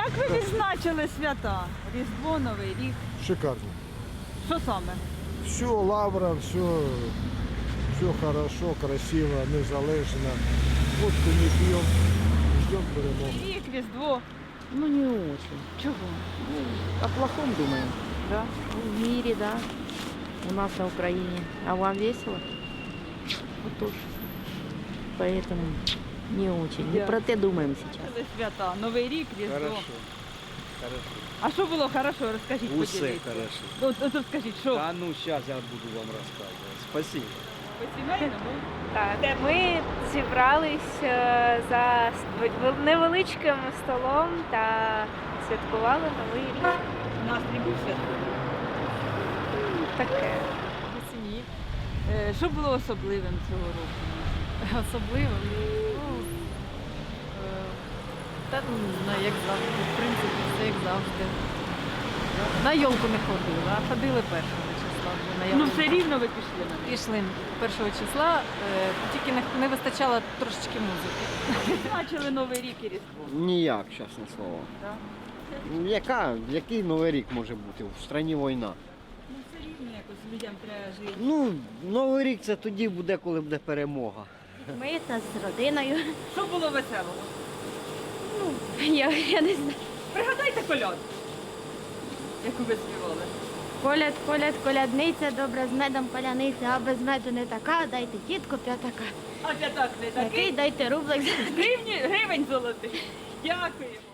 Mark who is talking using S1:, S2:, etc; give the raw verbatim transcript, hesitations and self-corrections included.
S1: Як ви відзначили свята? Різдво, Новий рік.
S2: Шикарно.
S1: Що саме?
S2: Все лавра, все, все хорошо, красиво, незалежно. Водку не пьем, ждем перемоги.
S1: Рік, Різдво.
S3: Ну, не очень.
S1: Чого?
S3: О плохом думаем.
S1: Да?
S3: В мире, да. У нас на Украине. А вам весело? Вот тоже. Поэтому не очень. Не
S1: Я-
S3: про те думаем сейчас.
S1: Відзначили свята, Новий рік, Різдво.
S4: Хорошо. Хорошо.
S1: А що було хорошо? Розкажіть,
S4: Усе
S1: поділіться.
S4: хорошо.
S1: От, от, от скажіть, що?
S4: Да ну сейчас я буду вам рассказывать. Спасибо.
S1: По-сімейному?
S5: Так, ми зібрались е, за с- невеличким столом та святкували новий рік.
S1: Настрій був святковий.
S5: Таке.
S6: Сім'ї.
S1: Е, Що було особливим цього року?
S6: Особливо. Ну, е, та ну, не знаю, як завжди. В принципі, все як завжди. На йолку не ходили, а ходили першого числа вже на
S1: Ну
S6: йолку.
S1: все рівно ви пішли на неї.
S6: Пішли першого числа, е, тільки не, не вистачало трошечки музики.
S1: Відзначили Новий рік і Різдво.
S7: Ніяк, чесне слово.
S1: Так?
S7: Ну, Яка, який новий рік може бути? В країні війна.
S1: Ну все рівно якось людям треба жити.
S7: Ну, новий рік це тоді буде, коли буде перемога.
S5: Ми та з родиною.
S1: Що було веселого?
S5: Я, я не знаю.
S1: Пригадайте коляд, яку ви співали.
S5: Коляд, коляд, колядниця, добра з медом паляниця, а без меду не така, дайте тітку п'ятака.
S1: А п'ятак не
S5: Такий
S1: такий.
S5: дайте рублик.
S1: Гривні, гривень золотий. Дякуємо.